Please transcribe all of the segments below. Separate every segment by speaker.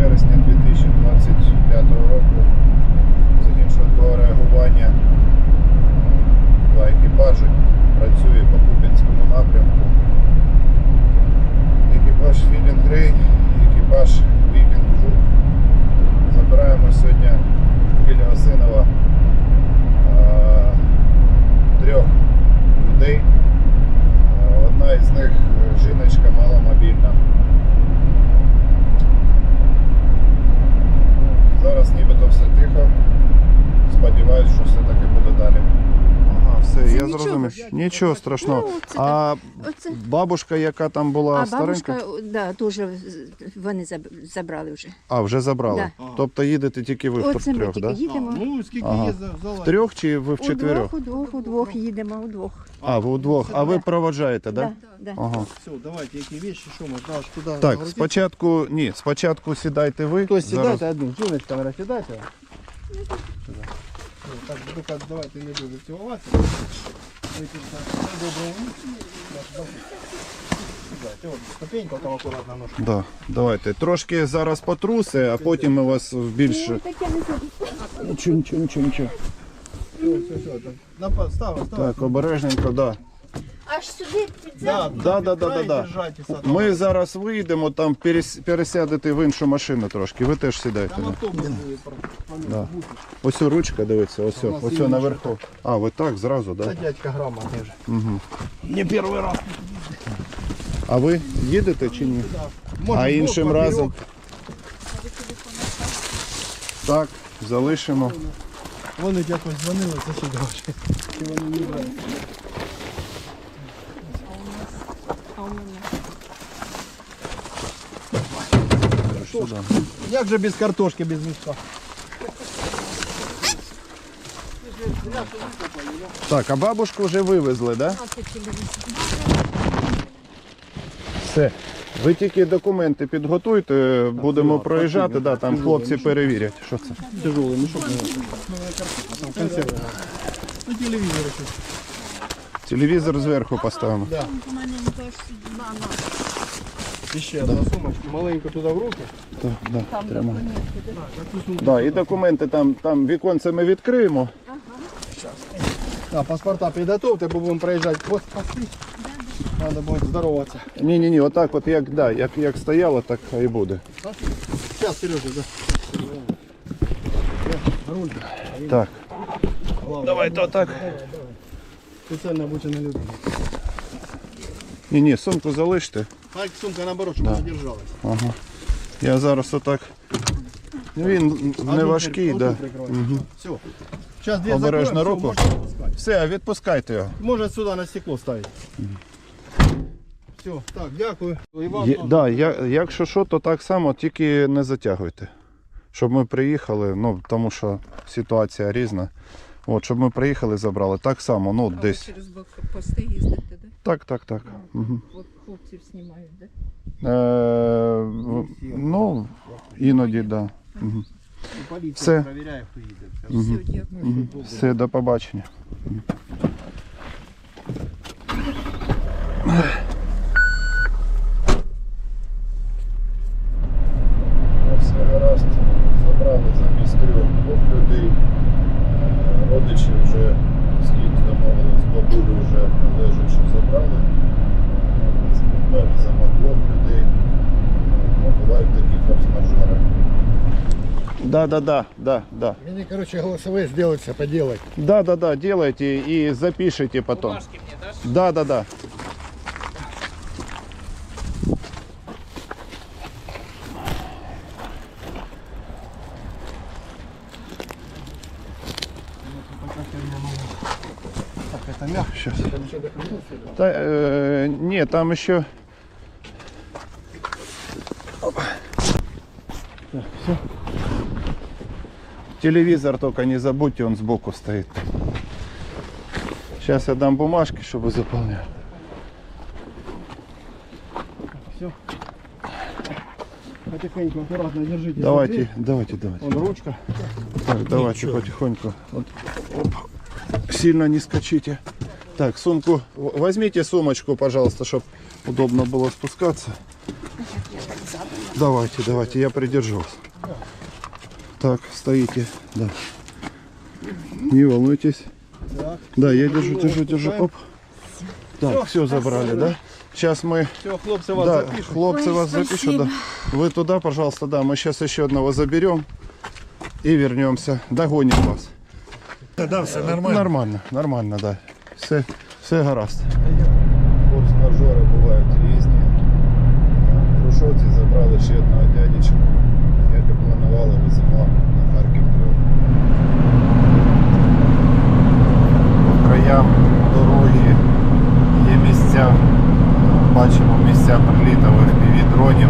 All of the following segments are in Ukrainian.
Speaker 1: вересня 2025 року загін швидкого реагування, два екіпажі, працює по Куп'янському напрямку. Екіпаж Філінг Грей, екіпаж Вікінг Жук. Забираємо сьогодні біля Осинова трьох людей. Одна із них жіночка маломобільна. Зараз нібито все тихо. Сподіваюсь, що все-таки буде далі. Ага, все,
Speaker 2: Це
Speaker 1: я
Speaker 2: нічого.
Speaker 1: зрозумів. Нічого страшного.
Speaker 2: Ну, це
Speaker 1: А
Speaker 2: Оце.
Speaker 1: бабушка, яка там була
Speaker 2: А
Speaker 1: старенька?
Speaker 2: бабушка, да, теж вони забрали вже.
Speaker 1: А, вже забрали?
Speaker 2: Да.
Speaker 1: Тобто їдете тільки ви
Speaker 2: Оце ми
Speaker 1: втрьох,
Speaker 2: тільки
Speaker 1: так? Да?
Speaker 2: їдемо.
Speaker 3: Ну, скільки
Speaker 1: Ага.
Speaker 3: є зала?
Speaker 1: Втрьох чи ви вчетверох?
Speaker 2: Удвох їдемо, удвох.
Speaker 1: А, ви удвох. А ви
Speaker 2: Да.
Speaker 1: проводжаєте, так? Да?
Speaker 2: Да.
Speaker 1: Ага.
Speaker 3: Все, давайте, які вещи, що ми даш туди.
Speaker 1: Так, спочатку сідайте ви.
Speaker 3: Хтось
Speaker 1: Зараз-
Speaker 3: сідайте одну, жіночка, наверное, сідайте. Так, тільки давайте не дуже цілуватися. Доброго. Сідайте, от, ступенька там акуратно ножка.
Speaker 1: Да, давайте. Трошки зараз потруси, а потім ми вас в більше... Нічого.
Speaker 3: Все. Став.
Speaker 1: Так, обережненько, да.
Speaker 2: Аж сюди
Speaker 3: Да.
Speaker 1: Да. Ми зараз вийдемо, там пересядете в іншу машину трошки. Ви теж сідайте.
Speaker 3: Там
Speaker 1: Да.
Speaker 3: автобус буде.
Speaker 1: Да. Ось ручка, дивіться, ось наверху. А, ви так, зразу,
Speaker 3: Це
Speaker 1: так? Да?
Speaker 3: дядька грамотний вже.
Speaker 1: Угу.
Speaker 3: Не перший раз.
Speaker 1: А ви їдете чи ні? А іншим разом? Так, залишимо.
Speaker 3: Вони якось дзвонили, це сюди вже. Чи вони не брали?
Speaker 1: Сюди.
Speaker 3: Як же без картошки, без мішка?
Speaker 1: Так, а бабушку вже вивезли, так? Да? Все. Ви тільки документи підготуйте, будемо проїжджати, да, там хлопці перевірять. Що це?
Speaker 3: Тяжелый мешок. Там консервы. Ну, телевизор еще.
Speaker 1: Телевізор зверху поставимо.
Speaker 3: Да. Ще одна сумочка. Маленько туди в руки.
Speaker 1: Так, да, тримай. Да, і документи там віконце ми відкриємо.
Speaker 3: Да, паспорта підготовте, бо будемо проїжджати пости. Треба буде здороватися.
Speaker 1: Ні, отак от як стояло, так і буде.
Speaker 3: Зараз, Сережа, да. Руль.
Speaker 1: Так.
Speaker 3: Давайте отак. Спеціально обучена людина.
Speaker 1: Ні, сумку залиште.
Speaker 3: Так, сумка наоборот, щоб вона держалась.
Speaker 1: Ага. Я зараз отак. Він не важкий, да. Угу.
Speaker 3: Все. Зараз дві
Speaker 1: Обережно
Speaker 3: закроємо,
Speaker 1: руку.
Speaker 3: все, можна відпускати.
Speaker 1: Все, відпускайте його.
Speaker 3: Може сюди на стекло ставити. Все, так, дякую. І вам теж.
Speaker 1: Да, якщо що, то так само, тільки не затягуйте. Щоб ми приїхали, ну, тому що ситуація різна. От, щоб ми приїхали, забрали. Так само, ну,
Speaker 2: А
Speaker 1: десь.
Speaker 2: ви через блокпости їздите, да?
Speaker 1: Так. Угу.
Speaker 2: Хлопців знімають, да?
Speaker 1: Ну, іноді, так. Да. Угу.
Speaker 3: І поліція
Speaker 1: Все.
Speaker 3: перевіряє, хто їде.
Speaker 2: Все, дякую.
Speaker 1: Все, до побачення. Все гаразд, забрали замість двох людей. Родичі вже з кимось домовились, бабулю вже лежачи забрали. Ми веземо двох людей. Ну, бувають такі форс-мажори. Да.
Speaker 3: Мне, короче, голосовые сделать, поделать.
Speaker 1: Да, делайте и запишите потом.
Speaker 4: Бумажки мне дашь?
Speaker 1: Да.
Speaker 3: Так, это мягко.
Speaker 1: Сейчас. Нет, там еще. Так, все. Телевизор только не забудьте, он сбоку стоит. Сейчас я дам бумажки, чтобы заполняли.
Speaker 3: Все. Потихоньку, аккуратно держите.
Speaker 1: Давайте.
Speaker 3: Вон ручка.
Speaker 1: Так, давайте потихоньку. Вот. Оп. Сильно не скачите. Так, сумку. Возьмите сумочку, пожалуйста, чтобы удобно было спускаться.
Speaker 2: Я так задом.
Speaker 1: Давайте, я придержу вас. Так, стоите, да. Не волнуйтесь.
Speaker 3: Так.
Speaker 1: Да, я держу. Оп. Так,
Speaker 3: Всё,
Speaker 1: все забрали, да? Сейчас мы...
Speaker 3: Все, хлопцы вас
Speaker 1: Да,
Speaker 3: запишут.
Speaker 1: хлопцы
Speaker 2: Ой,
Speaker 1: вас
Speaker 2: спасибо.
Speaker 1: запишут, да. Вы туда, пожалуйста, да. Мы сейчас еще одного заберем и вернемся. Догоним вас.
Speaker 4: Да, все нормально.
Speaker 1: Нормально, да. Все гаразд. Форс-мажори бувають різні. В Грушовці забрали ще одного дядечка. Як і планували, веземо на Харків 3. По краям дороги є місця. Бачимо місця прилітів FPV-дронів,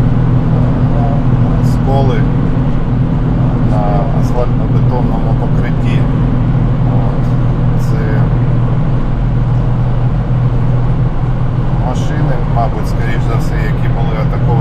Speaker 1: сколи на асфальтно-бетонному покритті. От. Це машини, мабуть, скоріш за все, які були атаковані